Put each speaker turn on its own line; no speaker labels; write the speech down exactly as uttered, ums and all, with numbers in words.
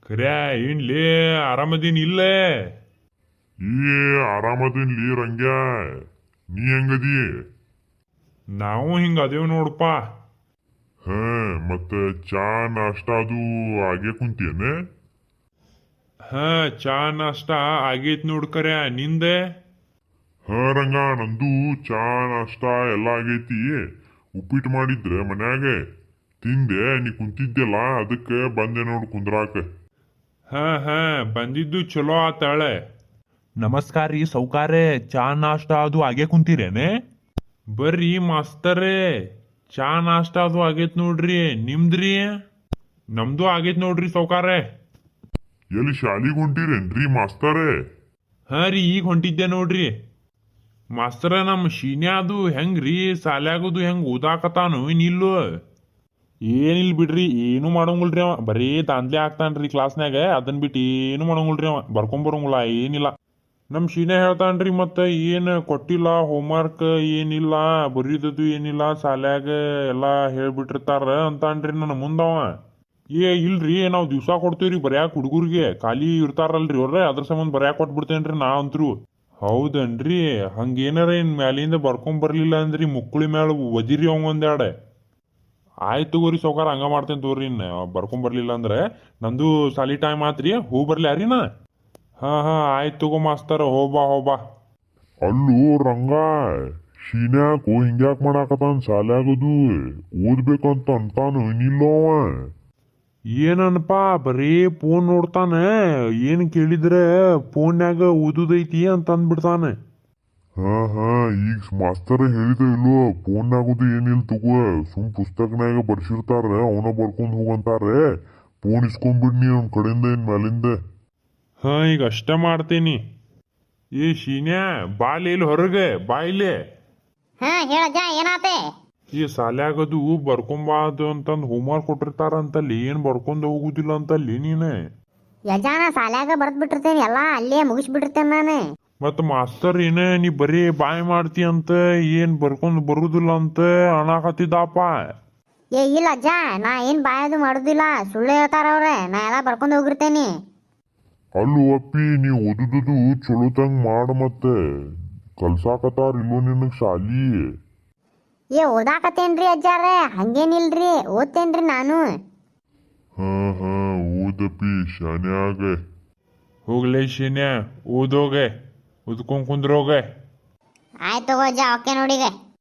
ಖರ್ಯಾ ಏನ್ಲೇ ಆರಾಮದೀನ್ ಇಲ್ಲೇ?
ಈ ಆರಾಮದಿನ್ಲಿ ರಂಗ್ಯ, ನೀ ಹೆಂಗದಿ?
ನಾವು ಹಿಂಗ ಅದೇವ್ ನೋಡಪ್ಪ.
ಹ ಮತ್ತ ಚಾ ನಾಷ್ಟ ಅದು ಆಗೇ ಕುಂತೇನೆ?
ಹಾ ಚಾ ನಾಷ್ಟ ಆಗೈತ್ ನೋಡ್ ಖರ್ಯಾ, ನಿಂದೆ?
ಹ ರಂಗ, ನಂದು ಚಾ ನಾಷ್ಟ ಎಲ್ಲ ಆಗೈತಿ. ಉಪ್ಪಿಟ್ಟು ಮಾಡಿದ್ರೆ ಮನ್ಯಾಗ ತಿಂದೆ, ನೀ ಕುಂತಿದ್ದೆಲ್ಲ ಅದಕ್ಕೆ ಬಂದೆ ನೋಡ್ ಕುಂದ್ರಾಕ.
ಹಾ ಹಾ ಬಂದಿದ್ದು ಚಲೋ ಆತಾಳೆ.
ನಮಸ್ಕಾರ ರೀ ಸೌಕಾರೆ, ಚಾ ನಾಷ್ಟ ಅದು ಆಗೇ ಕುಂತೀರೇನೆ?
ಬರ್ರಿ ಮಾಸ್ತರೇ, ಚಾ ನಾಷ್ಟ ಅದು ಆಗೈತ್ ನೋಡ್ರಿ, ನಿಮ್ದ್ರಿ? ನಮ್ದು ಆಗೈತ್ ನೋಡ್ರಿ ಸೌಕಾರೆ.
ಎಲ್ಲಿ ಶಾಲಿಗೆ ಹೊಂಟಿರೇನ್ರಿ ಮಾಸ್ತರೇ?
ಹಾ ರೀ ಈಗ ಹೊಂಟಿದ್ದೆ ನೋಡ್ರಿ. ಮಾಸ್ತರ ನಮ್ಮ ಶೀನ್ಯಾದು ಹೆಂಗ್ರಿ ಸಾಲ್ಯಾಗದು ಹೆಂಗ್ ಓದಾಕತಾನು ಏನಿಲ್ಲು? ಏನಿಲ್ ಬಿಡ್ರಿ, ಏನು ಮಾಡಂಗಿಲ್ರಿ ಅವ, ಬರೀ ದಾಂದ್ಲೆ ಆಗ್ತಾನ್ರಿ ಕ್ಲಾಸ್ನಾಗ. ಅದನ್ ಬಿಟ್ಟು ಏನು ಮಾಡಂಗಿಲ್ರಿ ಅವ, ಬರ್ಕೊಂಬರಂಗಿಲ್ಲ ಏನಿಲ್ಲ. ನಮ್ ಶೀನ್ಯ ಹೇಳ್ತಾನ್ರಿ ಮತ್ತ ಏನ್ ಕೊಟ್ಟಿಲ್ಲ ಹೋಮ್ವರ್ಕ್ ಏನಿಲ್ಲ, ಬರೀದದು ಏನಿಲ್ಲ, ಸಾಲ್ಯಾಗ ಎಲ್ಲಾ ಹೇಳ್ಬಿಟ್ಟಿರ್ತಾರ ಅಂತಾನ್ರಿ ನನ್ನ ಮುಂದವ. ಏ ಇಲ್ರಿ, ನಾವ್ ದಿವ್ಸ ಕೊಡ್ತೇವ್ರಿ ಬರ್ಯಾಕ ಹುಡುಗರಿಗೆ, ಖಾಲಿ ಇರ್ತಾರಲ್ರಿ ಅವ್ರ, ಅದ್ರ ಸಂಬಂಧ ಬರ್ಯಾಕ ಕೊಟ್ಬಿಡ್ತೇನ್ರಿ ನಾ ಅಂತ್ರು. ಹೌದನ್ರಿ, ಹಂಗೇನಾರ ಇನ್ ಮ್ಯಾಲಿಂದ ಬರ್ಕೊಂಡ್ ಬರ್ಲಿಲ್ಲ ಅಂದ್ರಿ ಮುಕ್ಕುಳಿ ಮ್ಯಾಲ ಒದಿರಿ ಅವಂಗ ಒಂದೆರಡೆ. ಆಯ್ತು ತಗೋರಿ ಸೌಕಾರ, ಹಂಗ ಮಾಡ್ತೇನೆ ತಗೋರಿ. ಇನ್ ಬರ್ಕೊಂಡ್ ಬರ್ಲಿಲ್ಲ ಅಂದ್ರೆ ನಂದು ಸಾಲಿ ಟೈಮ್ ಆತ್ರಿ, ಹೂ ಬರ್ಲಿ ನಾ? ಹಾ ಹಾ ಆಯ್ತು ತಗೋ ಮಾಸ್ತರ, ಹೋಬಾ ಹೋಬಾ.
ಅಲ್ಲೂ ರಂಗ, ಶೀನ್ಯಾಕು ಹಿಂಗ್ಯಾಕ್ ಮಾಡಾಕತಾನ ಸಾಲ್ಯಾಗದು? ಓದ್ಬೇಕಂತ ಅಂತಾನು ಏನಿಲ್ಲವ?
ಏನನ್ಪಾ ಬರೀ ಫೋನ್ ನೋಡ್ತಾನೆ, ಏನ್ ಕೇಳಿದ್ರೆ ಫೋನ್ಯಾಗ ಓದುದೈತಿ ಅಂತ ಅಂದ್ಬಿಡ್ತಾನೆ.
ಹಾ ಹಾ ಈಗ ಮಾಸ್ತರ ಹೇಳಿದ ಇಲ್ವೋ, ಫೋನ್ನಾಗುದು ಏನಿಲ್ ತಗೋ, ಸುಮ್ ಪುಸ್ತಕನಾಗ ಬರ್ಸಿರ್ತಾರ ಅವನ ಬರ್ಕೊಂಡ್ ಹೋಗಂತಾರೆ. ಫೋನ್ ಇಸ್ಕೊಂಡ್ಬಿಡ್ನಿ ಅವ್ನ ಕಡೆಯಿಂದ ಏನ್ ಮ್ಯಾಲಿಂದ.
ಹಾ ಈಗ ಅಷ್ಟ ಮಾಡ್ತೇನಿ. ಏ ಶೀನ್ಯಾ ಬಾಲಿ ಇಲ್ಲಿ ಹೊರಗೆ ಬಾ ಇಲ್ಲಿ.
ಹಾ ಹೇಳಜ್ಜ, ಏನಾತೆ?
ಈ ಸಾಲ್ಯಾಗದು ಬರ್ಕೊಂಬಾದು ಅಂತಂದ್ ಹೋಮ್ವರ್ಕ್ ಕೊಟ್ಟಿರ್ತಾರಂತಲ್ಲಿ, ಏನ್ ಬರ್ಕೊಂಡ್ ಹೋಗುದಿಲ್ಲ ಅಂತಲ್ಲಿ ನೀನೆ.
ಯಜಾನ ಸಾಲ್ಯಾಗ ಬರ್ದ್ ಬಿಟ್ಟಿರ್ತೇನೆ, ಎಲ್ಲಾ ಅಲ್ಲೇ ಮುಗಿಸ್ಬಿಟ್ಟಿರ್ತೇನೆ ನಾನು.
ಮತ್ ಮಾಸ್ತರ್ ಏನ ನೀ ಬರೀ ಬಾಯ್ ಮಾಡ್ತಿ ಅಂತ, ಏನ್ ಬರ್ಕೊಂಡ್ ಬರುದಿಲ್ಲ ಅಂತ ಅನಾಕತ್ತಿದ್ದಪ್ಪ.
ಏ ಇಲ್ಲ ಅಜ್ಜ, ನಾ ಏನ್ ಬಾಯದು ಮಾಡುದಿಲ್ಲ, ಸುಳ್ಳು ಹೇಳ್ತಾರ ಅವ್ರ, ನಾ ಎಲ್ಲಾ ಬರ್ಕೊಂಡ್ ಹೋಗಿರ್ತೇನಿ.
ಅಲ್ಲೂ ಅಪ್ಪಿ, ನೀ ಓದುದು ಚಲೋತಂಗ್ ಮಾಡ, ಮತ್ತೆ ಕಲ್ಸಾಕತಾರ ಇಲ್ಲೋ ನಿನಗ್ ಶಾಲಿ?
ಏ ಓದಾಕತ್ತೇನ್ರಿ ಅಜ್ಜಾರ, ಹಂಗೇನಿಲ್ರಿ, ಓದ್ತೇನ್ರಿ ನಾನು.
ಹಾ ಹಾ ಓದಪ್ಪಿ ಶಾನ್ಯಾಗ.
ಹೋಗ್ಲೇ ಶೀನ್ಯಾ, ಓದೋಗೆ, ಓದ್ಕೊಂಡ್ ಕುಂದ್ರೋಗೆ.
ಆಯ್ತು ತಗೋ ಅಜ್ಜ, ಓಕೆ ನೋಡಿಗೆ.